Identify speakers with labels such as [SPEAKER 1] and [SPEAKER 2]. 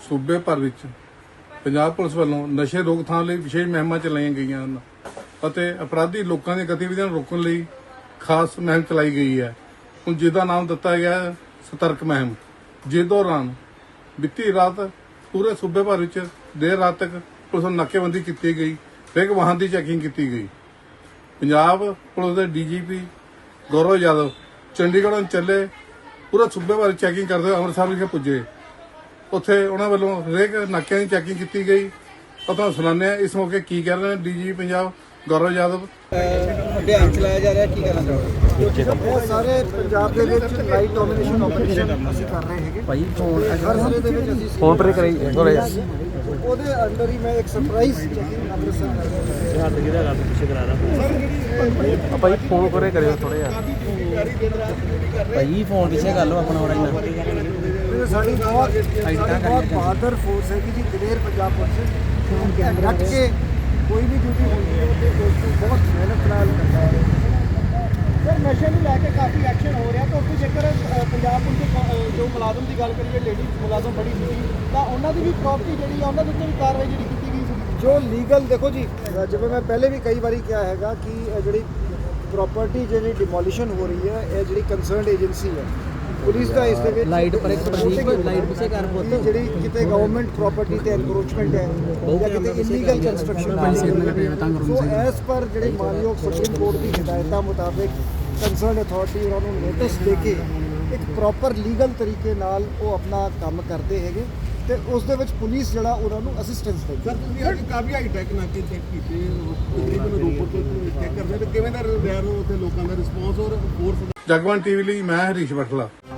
[SPEAKER 1] ਸੂਬੇ ਭਰ ਵਿੱਚ ਪੰਜਾਬ ਪੁਲਿਸ ਵੱਲੋਂ ਨਸ਼ੇ ਰੋਕਥਾਮ ਲਈ ਵਿਸ਼ੇਸ਼ ਮੁਹਿੰਮਾਂ ਚਲਾਈਆਂ ਗਈਆਂ ਹਨ ਅਤੇ ਅਪਰਾਧੀ ਲੋਕਾਂ ਦੀਆਂ ਗਤੀਵਿਧੀਆਂ ਨੂੰ ਰੋਕਣ ਲਈ ਖਾਸ ਮੁਹਿੰਮ ਚਲਾਈ ਗਈ ਹੈ। ਹੁਣ ਜਿਹਦਾ ਨਾਮ ਦਿੱਤਾ ਗਿਆ ਹੈ ਸਤਰਕ ਮੁਹਿੰਮ, ਜਿਸ ਦੌਰਾਨ ਬੀਤੀ ਰਾਤ ਪੂਰੇ ਸੂਬੇ ਭਰ ਵਿੱਚ ਦੇਰ ਰਾਤ ਤੱਕ ਪੁਲਿਸ ਨੂੰ ਨਾਕੇਬੰਦੀ ਕੀਤੀ ਗਈ, ਹਰੇਕ ਵਾਹਨ ਦੀ ਚੈਕਿੰਗ ਕੀਤੀ ਗਈ। ਪੰਜਾਬ ਪੁਲਿਸ ਦੇ ਡੀਜੀਪੀ ਗੌਰਵ ਯਾਦਵ ਚੰਡੀਗੜ੍ਹ ਨੂੰ ਚੱਲੇ, ਪੂਰਾ ਸੂਬੇ ਭਰ ਚੈਕਿੰਗ ਕਰਦੇ ਹੋਏ ਅੰਮ੍ਰਿਤਸਰ ਵਿਖੇ ਪੁੱਜੇ। ਉੱਥੇ ਉਹਨਾਂ ਵੱਲੋਂ ਹਰੇਕ ਨਾਕਿਆਂ ਦੀ ਚੈਕਿੰਗ ਕੀਤੀ ਗਈ। ਤੁਹਾਨੂੰ ਸੁਣਾਉਂਦੇ ਹਾਂ ਇਸ ਮੌਕੇ ਕੀ ਕਹਿ ਰਹੇ ਨੇ ਡੀਜੀਪੀ ਪੰਜਾਬ ਗੌਰਵ ਯਾਦਵ।
[SPEAKER 2] ਅਭਿਆਨ ਚਲਾਇਆ ਜਾ ਰਿਹਾ, ਕੀ ਕਹਿਣਾ ਚਾਹੋਗੇ?
[SPEAKER 3] ਇਹ ਸਾਰੇ ਪੰਜਾਬ ਦੇ ਵਿੱਚ ਲਾਈਟ ਡੋਮੀਨੇਸ਼ਨ ਆਪਰੇਸ਼ਨ ਅਸੀਂ ਕਰ ਰਹੇ ਹੈਗੇ ਭਾਈ। ਹਰ ਜ਼ਿਲ੍ਹੇ ਦੇ ਵਿੱਚ ਅਸੀਂ
[SPEAKER 2] ਫੋਨ ਪਰ ਕਰਾਈ ਥੋੜਾ ਜਿਹਾ
[SPEAKER 3] ਉਹਦੇ ਅੰਡਰ ਹੀ ਮੈਂ ਇੱਕ ਸਰਪ੍ਰਾਈਜ਼ ਚੈਕਿੰਗ ਅੰਮ੍ਰਿਤਸਰ ਕਰ ਰਿਹਾ।
[SPEAKER 2] ਹੱਥ ਕਿਹਦਾ ਰੱਬ ਪਿੱਛੇ ਕਰਾ ਰਹਾ ਭਾਈ, ਫੋਨ ਕਰੇ ਕਰਿਓ ਥੋੜਾ ਜਿਹਾ ਭਾਈ, ਫੋਨ ਪਿੱਛੇ ਕਰ ਲਓ ਆਪਣਾ ਹੋਰ ਇੰਨਾ।
[SPEAKER 3] ਸਾਡੀ ਬਹੁਤ ਬਹਾਦਰ ਫੋਰਸ ਹੈ ਕਿ ਜੀ ਦਲੇਰ ਪੰਜਾਬ ਪੁਲਿਸ ਰੱਖ ਕੇ ਕੋਈ ਵੀ ਡਿਊਟੀ ਹੁੰਦੀ ਹੈ ਤੇ ਬਹੁਤ ਮਿਹਨਤ ਨਾਲ ਕਰਦਾ ਹੈ।
[SPEAKER 4] ਸਰ ਨਸ਼ੇ ਨੂੰ ਲੈ ਕੇ ਕਾਫੀ ਐਕਸ਼ਨ ਹੋ ਰਿਹਾ, ਤਾਂ ਜੇਕਰ ਪੰਜਾਬ ਪੁਲਿਸ ਦੇ ਜੋ ਮੁਲਾਜ਼ਮ ਦੀ ਗੱਲ ਕਰੀਏ, ਲੇਡੀ ਮੁਲਾਜ਼ਮ ਬੜੀ ਸੀ, ਤਾਂ ਉਹਨਾਂ ਦੀ ਵੀ ਪ੍ਰਾਪਰਟੀ ਜਿਹੜੀ ਆ ਉਹਨਾਂ ਦੇ ਉੱਤੇ ਵੀ ਕਾਰਵਾਈ ਜਿਹੜੀ ਕੀਤੀ ਗਈ ਸੀ।
[SPEAKER 3] ਜੋ ਲੀਗਲ ਦੇਖੋ ਜੀ, ਜਿਵੇਂ ਮੈਂ ਪਹਿਲੇ ਵੀ ਕਈ ਵਾਰੀ ਕਿਹਾ ਹੈਗਾ ਕਿ ਇਹ ਜਿਹੜੀ ਪ੍ਰਾਪਰਟੀ ਜਿਹੜੀ ਡਿਮੋਲੀਸ਼ਨ ਹੋ ਰਹੀ ਹੈ, ਇਹ ਜਿਹੜੀ ਕੰਸਰਨਡ ਏਜੰਸੀ ਹੈ ਪੁਲਿਸ ਦਾ ਇਸ ਦੇ ਵਿੱਚ
[SPEAKER 2] ਲਾਈਟ ਪਰ ਇੱਕ ਲਾਈਟ ਪਿੱਛੇ ਕਰ ਪੁੱਤ,
[SPEAKER 3] ਜਿਹੜੀ ਕਿਤੇ ਗਵਰਨਮੈਂਟ ਪ੍ਰਾਪਰਟੀ ਤੇ ਐਨਕਰੋਚਮੈਂਟ ਹੈ ਜਾਂ ਕਿਤੇ illegal construction so as per ਜਿਹੜੇ ਮਾਨਯੋਗ ਸੁਪਰੀਮ ਕੋਰਟ ਦੀ ਹਦਾਇਤਾਂ ਮੁਤਾਬਿਕ ਕੰਸਰਨਡ ਅਥਾਰਟੀ ਉਹਨਾਂ ਨੂੰ ਨੋਟਿਸ ਦੇ ਕੇ ਇੱਕ ਪ੍ਰੋਪਰ ਲੀਗਲ ਤਰੀਕੇ ਨਾਲ ਉਹ ਆਪਣਾ ਕੰਮ ਕਰਦੇ ਹੈਗੇ ਤੇ ਉਸ ਦੇ ਵਿੱਚ ਪੁਲਿਸ ਜਿਹੜਾ ਉਹਨਾਂ ਨੂੰ ਅਸਿਸਟੈਂਸ ਦਿੰਦੀ।
[SPEAKER 4] ਸਰ ਤੁਸੀਂ ਅੱਜ ਕਾਫੀ ਹਾਈ ਟੈਕ ਨਾਕੇ ਚੈੱਕ ਕੀਤੇ, ਤਕਰੀਬਨ ਰੋਪੜ ਤੋਂ ਚੈੱਕ ਕਰਦੇ ਤੇ ਕਿਵੇਂ ਦਾ ਰਿਹਾ ਉੱਥੇ ਲੋਕਾਂ ਦਾ ਰਿਸਪੌਂਸ ਔਰ ਫੋਰਸ?
[SPEAKER 1] ਜਗਬਾਣੀ ਟੀਵੀ ਲਈ ਮੈਂ ਹਰੀਸ਼ ਬਠਲਾ।